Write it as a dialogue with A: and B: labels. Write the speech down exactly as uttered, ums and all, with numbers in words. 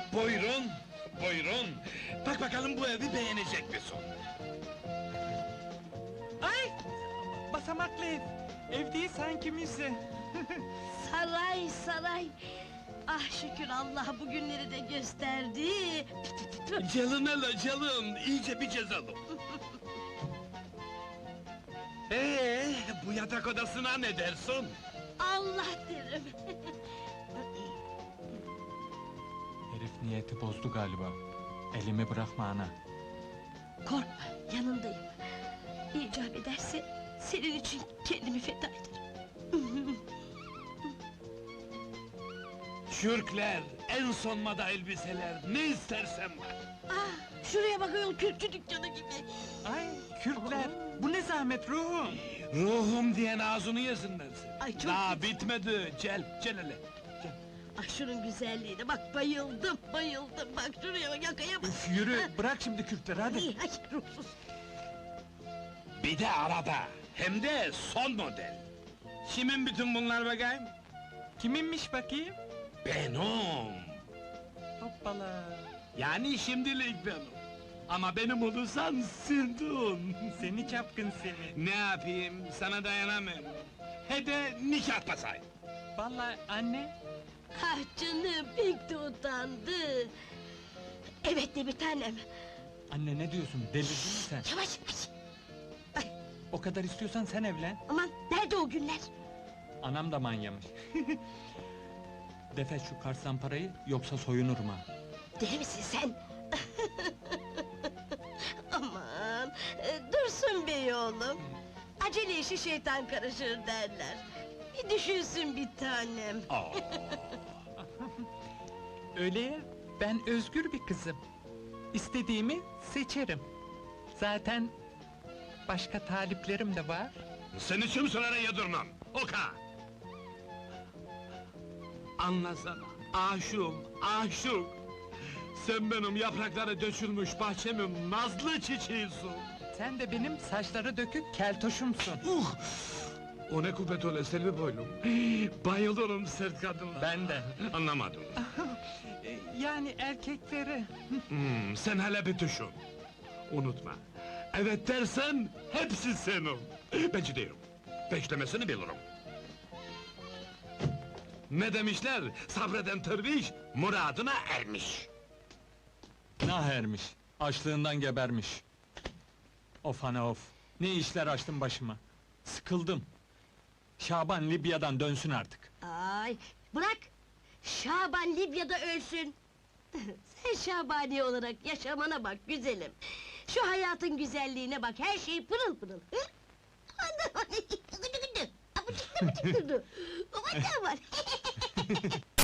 A: Buyurun, buyurun. Bak bakalım bu evi beğenecek misin?
B: Ay! Basamaklı ev. Ev değil sanki müze.
C: Saray, saray! Ah şükür Allah bugünleri de gösterdi!
A: Calın hele calın, iyice bir cezalım. Ee, bu yatak odasına ne dersin?
C: Allah derim!
B: Herif niyeti bozdu galiba. Elimi bırakma ana.
C: Korkma, yanındayım! İcap ederse, senin için kendimi feda ederim!
A: Çürkler, en son moda elbiseler, ne istersen var.
C: Ah, şuraya bak ayol, kürkçü dükkanı gibi!
B: Ay, Kürkler! Bu ne zahmet ruhum!
A: Ruhum diyen ağzını yesinler seni.
C: Ay, çok
A: Daha
C: güzel.
A: bitmedi, gel, gel hele.
C: Ah şunun güzelliğine bak, bayıldım, bayıldım! Bak şuraya bak, yakaya bak!
B: Üf, yürü, bırak şimdi Kürkleri hadi!
C: Ay, ay, ruhsuz!
A: Bir de araba, hem de son model. Kimin bütün bunlar bakayım?
B: Kiminmiş bakayım?
A: Benim.
B: Hoppala!
A: Yani şimdilik benim. Ama benim olursan sildin.
B: Seni çapkın seni!
A: Ne yapayım, sana dayanamıyorum. He de nikah basayım.
B: Vallahi anne,
C: Ah canım, pek de utandı! Evet de bir tanem!
B: anne ne diyorsun, delirdin mi sen?
C: Yavaş, yavaş!
B: O kadar istiyorsan sen evlen!
C: Aman, nerede o günler?
B: Anam da manyamış! Defet şu karsan parayı, yoksa soyunurum ha!
C: Deli misin sen? Aman, e, dursun bey oğlum! Acele işi şeytan karışır derler! Bir düşünsün bir tanem!
A: Aa,
B: Öyle ya, ben özgür bir kızım. İstediğimi seçerim. Zaten başka taliplerim de var.
A: seni kimselere yedirmem, oka! Anlasana, aşığım, aşık! Sen benim yaprakları dökülmüş bahçemin nazlı çiçeğisin!
B: Sen de benim saçları dökük keltoşumsun.
A: Uh! O ne kuvvet öyle Selvi boylum! Bayılırım sert kadınlara!
B: Ben de.
A: Anlamadım.
B: E, Yani erkekleri.
A: Hmm, sen hele bir düşün! Unutma, evet dersen hepsi senin! Ben ciddiyim, beklemesini bilirim! Ne demişler? Sabreden derviş, muradına ermiş!
B: Nah ermiş, açlığından gebermiş. Of ana of, ne işler açtım başıma. Sıkıldım. Şaban Libya'dan dönsün artık.
C: Ay, bırak! Şaban Libya'da ölsün! Sen Şabani olarak yaşamana bak güzelim! Şu hayatın güzelliğine bak, her şey pırıl pırıl! Hı? Anam! Gıdı gıdı! Abıcık abıcık durdu! Babacığım var!